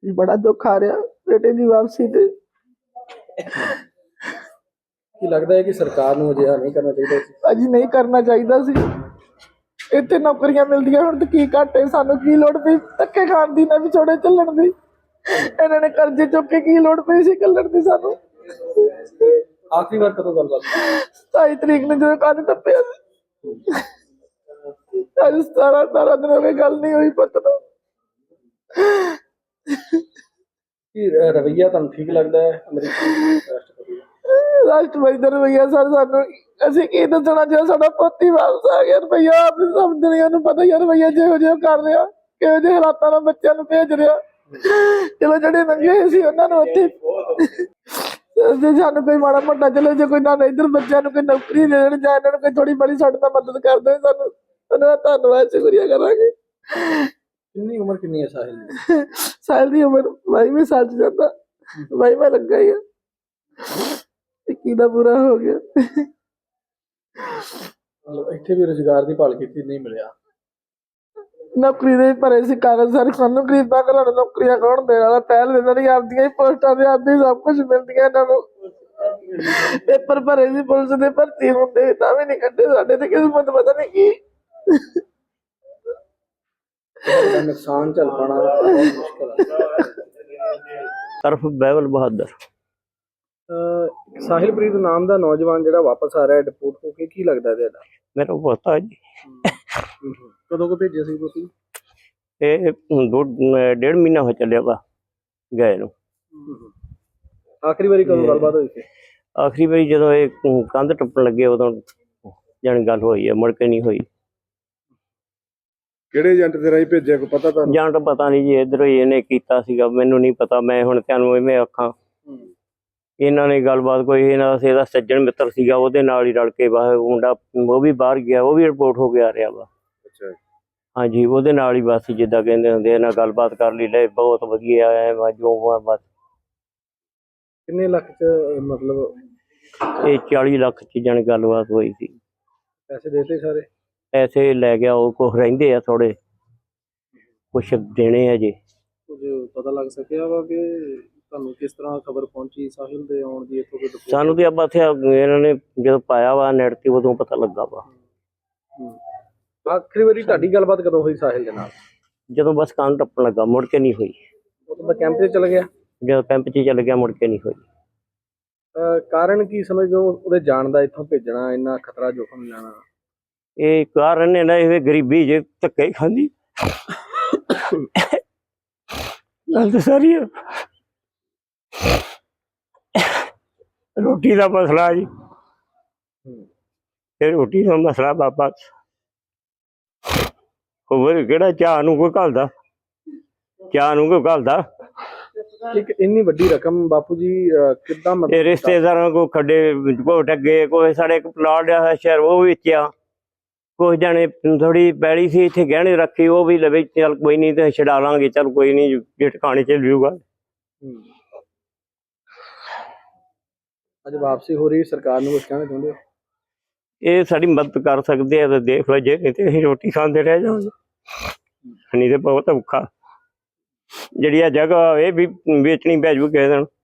बड़ा दुख आ रहा बेटे की वापसी ते। ਕੀ ਲੱਗਦਾ ਹੈ ਕਿ ਸਰਕਾਰ ਨੂੰ ਅਜਿਹਾ ਨਹੀਂ ਕਰਨਾ ਚਾਹੀਦਾ ਸੀ? भाजी नहीं करना चाहिए सी। इतने नौकरियां मिलदियां हुण ते की घाटे सानू की लोड़ पई धक्के खाण दी ना विछोड़े चलण दी। इन्हां ने कर्जे चुक के की लोड़ पई सी कलण दी सानू। ਆਖਰੀ ਵਾਰ ਕਦੋਂ ਗੱਲਬਾਤ ਹੋਈ? 27 ਤਰੀਕ ਨੂੰ ਜਦੋਂ ਕੰਨ ਟੱਪਿਆ ਸੀ। ਅੱਜ 17 दिन हो गए गल नहीं हुई पुत्त नाल। ਕੀ ਰਵੱਈਆ ਤੁਹਾਨੂੰ ਠੀਕ ਲੱਗਦਾ ਹੈ ਅਮਰੀਕੀ ਰਾਸ਼ਟਰਪਤੀ ਦਾ? राष्ट्रपति का रवैया सर सानू असीं की दसना जो साडा पुत्त ही वापस आ गया। रवैया आप सब दुनिया नूं पता ही है रवैया जिहो जिहा कर रहा किहो जिहे हालातां नाल बच्चों नूं भेज रहा। चलो जिहड़े लंघे सी उन्हां नूं उत्थे जे सानू कोई माड़ा मोटा चलो जे कोई ना इधर बच्चों नूं कोई नौकरी दे देण जां इन्हां नूं कोई थोड़ी बड़ी साडे नाल मदद कर देण सानू उन्हां दा धन्नवाद शुक्रिया करांगे। ਕਿੰਨੀ ਉਮਰ ਕਿੰਨੀ ਹੈ ਸਾਹਿਲ ਦੀ? साल दी उमर भाई में सच जाता भाई में लगा ही है। 21 ਦਾ ਪੂਰਾ ਹੋ ਗਿਆ। ਮਤਲਬ ਇੱਥੇ ਵੀ ਰੁਜ਼ਗਾਰ ਦੀ ਭਾਲ ਕੀਤੀ ਨਹੀਂ ਮਿਲਿਆ। ਨੌਕਰੀ ਦੇ ਭਰੇ ਸੀ ਕਾਗਜ਼ ਸਾਰੇ ਸਾਨੂੰ ਗਰੀਬਾਂ ਘਰਾਂ ਨੂੰ ਨੌਕਰੀਆਂ ਕੌਣ ਦੇਣ ਵਾਲਾ ਪਹਿਲ ਦੇ ਨਹੀਂ ਆਪਦੀਆਂ ਹੀ ਪੋਸਟਾਂ ਦੇ ਆਪਦੀ ਸਭ ਕੁਝ ਮਿਲਦੀਆਂ ਇਹਨਾਂ ਨੂੰ। ਪੇਪਰ ਭਰੇ ਸੀ ਪੁਲਿਸ ਦੇ ਭਰਤੀ ਹੁੰਦੇ ਤਾਂ ਵੀ ਨਹੀਂ ਕੱਢੇ ਸਾਡੇ ਤੇ ਕਿਸਮਤ ਪਤਾ ਨਹੀਂ ਕੀ। ਇਹਦਾ ਨੁਕਸਾਨ ਝੱਲ ਪਾਉਣਾ ਬਹੁਤ ਮੁਸ਼ਕਲ ਹੈ। ਤਰਫ ਬਹਿਬਲ ਬਹਾਦਰ। ਸਾਹਿਲਪ੍ਰੀਤ ਨਾਮ ਦਾ ਨੌਜਵਾਨ ਜਿਹੜਾ ਵਾਪਸ ਆ ਰਿਹਾ ਡਿਪੋਰਟ ਹੋ ਕੇ, ਕੀ ਲੱਗਦਾ ਤੁਹਾਡਾ? ਮੈਨੂੰ ਪਤਾ ਜੀ ਕਦੋਂ ਕੋ ਭੇਜਿਆ ਸੀ ਤੁਸੀਂ? ਇਹ 1.5 ਮਹੀਨਾ ਹੋ ਚੱਲਿਆ ਵਾ ਗਏ ਨੂੰ। ਆਖਰੀ ਵਾਰੀ ਕਦੋਂ ਗੱਲਬਾਤ ਹੋਈ ਸੀ? ਆਖਰੀ ਵਾਰੀ ਜਦੋਂ ਇਹ ਕੰਧ ਟੱਪਣ ਲੱਗੇ ਉਦੋਂ ਜਾਣੀ ਗੱਲ ਹੋਈ ਹੈ, ਮੁੜ ਕੇ ਨਹੀਂ ਹੋਈ। ਕਿਹੜੇ ਏਜੰਟ ਦੇ ਰਾਹੀਂ ਭੇਜਿਆ ਕੋਈ ਪਤਾ ਤੁਹਾਨੂੰ? ਜਾਂ ਤਾਂ ਪਤਾ ਨਹੀਂ ਜੀ, ਇੱਧਰੋਂ ਹੀ ਇਹਨੇ ਕੀਤਾ ਸੀਗਾ, ਮੈਨੂੰ ਨਹੀਂ ਪਤਾ। ਮੈਂ ਹੁਣ ਤੁਹਾਨੂੰ ਇਵੇਂ ਆਖਾਂ ਇਹਨਾਂ ਨੇ ਗੱਲਬਾਤ ਕੋਈ ਇਹਦਾ ਸੱਜਣ ਮਿੱਤਰ ਸੀਗਾ ਉਹਦੇ ਨਾਲ ਹੀ ਰਲ ਕੇ ਮੁੰਡਾ ਉਹ ਵੀ ਬਾਹਰ ਗਿਆ, ਉਹ ਵੀ ਰਿਪੋਰਟ ਹੋ ਕੇ ਆ ਰਿਹਾ ਵਾ। ਅੱਛਾ ਹਾਂਜੀ, ਉਹਦੇ ਨਾਲ ਹੀ ਬਸ ਜਿੱਦਾਂ ਕਹਿੰਦੇ ਹੁੰਦੇ ਇਹਨਾਂ ਗੱਲਬਾਤ ਕਰ ਲਈ ਲੈ ਬਹੁਤ ਵਧੀਆ ਹੈ ਜੋ ਬਸ। ਕਿੰਨੇ ਲੱਖ ਚ ਮਤਲਬ ਇਹ 40 ਲੱਖ ਚ ਜਾਣੀ ਗੱਲਬਾਤ ਹੋਈ ਸੀ। ਪੈਸੇ ਦੇਤੇ ਸਾਰੇ? ਪੈਸੇ ਲੈ ਗਿਆ ਉਹ, ਕੁਛ ਰਹਿੰਦੇ ਆ ਥੋੜੇ, ਕੁਛ ਦੇਣੇ ਆ ਜੀ। ਕੁਝ ਪਤਾ ਲੱਗ ਸਕਿਆ ਵਾ ਕਿ ਤੁਹਾਨੂੰ ਕਿਸ ਤਰ੍ਹਾਂ ਖਬਰ ਪਹੁੰਚੀ ਸਾਹਿਲ ਦੇ ਆਉਣ ਦੀ? ਇੱਥੋਂ ਕੋਈ ਸਾਨੂੰ ਤੇ ਆਪਾਂ ਇੱਥੇ ਇਹਨਾਂ ਨੇ ਜਦੋਂ ਪਾਇਆ ਵਾ ਨੈਟ ਤੇ ਉਦੋਂ ਪਤਾ ਲੱਗਾ ਵਾ। ਆਖਰੀ ਵਾਰੀ ਤੁਹਾਡੀ ਗੱਲਬਾਤ ਕਦੋਂ ਹੋਈ ਸਾਹਿਲ ਦੇ ਨਾਲ? ਜਦੋਂ ਬਸ ਕੰਨ ਟੱਪਣ ਲੱਗਾ, ਮੁੜ ਕੇ ਨਹੀਂ ਹੋਈ। ਉਹ ਤਾਂ ਕੈਂਪ 'ਚ ਚਲ ਗਿਆ? ਜਦੋਂ ਕੈਂਪ 'ਚ ਚੱਲ ਗਿਆ ਮੁੜ ਕੇ ਨਹੀਂ ਹੋਈ। ਕਾਰਨ ਕੀ ਸਮਝਦੇ ਹੋ ਉਹਦੇ ਜਾਣ ਦਾ, ਇੱਥੋਂ ਭੇਜਣਾ, ਇੰਨਾ ਖਤਰਾ ਜੋਖਮ ਲੈਣਾ? ਇਹ ਕਾਰਨ ਨੇ ਨਾ ਇਹ ਗਰੀਬੀ ਜੇ ਧੱਕੇ ਖਾਂਦੀ ਗੱਲ ਤਾਂ ਸਾਰੀ ਆ। ਰੋਟੀ ਦਾ ਮਸਲਾ ਜੀ, ਇਹ ਰੋਟੀ ਦਾ ਮਸਲਾ ਬਾਬਾ। ਹੋਰ ਕਿਹੜਾ ਚਾਹ ਨੂੰ ਕੋਈ ਘੱਲਦਾ, ਚਾਹ ਨੂੰ ਕੋਈ ਘੱਲਦਾ। ਇੱਕ ਇੰਨੀ ਵੱਡੀ ਰਕਮ ਬਾਪੂ ਜੀ ਕਿੱਦਾਂ ਇਹ ਰਿਸ਼ਤੇਦਾਰਾਂ ਕੋ ਖੱਡੇ ਕੋ ਡੱਗੇ, ਕੋਈ ਸਾਡੇ ਇੱਕ ਪਲਾਟ ਆ ਸ਼ਹਿਰ ਉਹ ਵੇਚਿਆ, ਕੁਛ ਜਾਣੇ ਥੋੜੀ ਪੈਲੀ ਸੀ ਇੱਥੇ ਗਹਿਣੇ ਰੱਖੀ ਉਹ ਵੀ ਲਵੇ, ਚੱਲ ਕੋਈ ਨਹੀਂ ਤੇ ਛਡਾ ਲਾਂਗੇ, ਚੱਲ ਕੋਈ ਨਹੀਂ ਜੇ ਟਿਕਾਣੇ ਚ ਲਿਊਗਾ। ਅੱਜ ਵਾਪਸੀ ਹੋ ਰਹੀ, ਸਰਕਾਰ ਨੂੰ ਕੁਝ ਕਹਿਣਾ ਚਾਹੁੰਦੇ ਹੋ? ਇਹ ਸਾਡੀ ਮਦਦ ਕਰ ਸਕਦੇ ਆ ਤਾਂ ਦੇਖ ਲਓ, ਜੇ ਨਹੀਂ ਤੇ ਅਸੀਂ ਰੋਟੀ ਖਾਂਦੇ ਰਹਿ ਜਾਵਾਂਗੇ। ਨਹੀਂ ਤੇ ਬਹੁਤ ਔਖਾ। ਜਿਹੜੀ ਆ ਜਗ੍ਹਾ ਇਹ ਵੀ ਵੇਚਣੀ ਪੈ ਜੂ ਕਿਸੇ ਦਿਨ।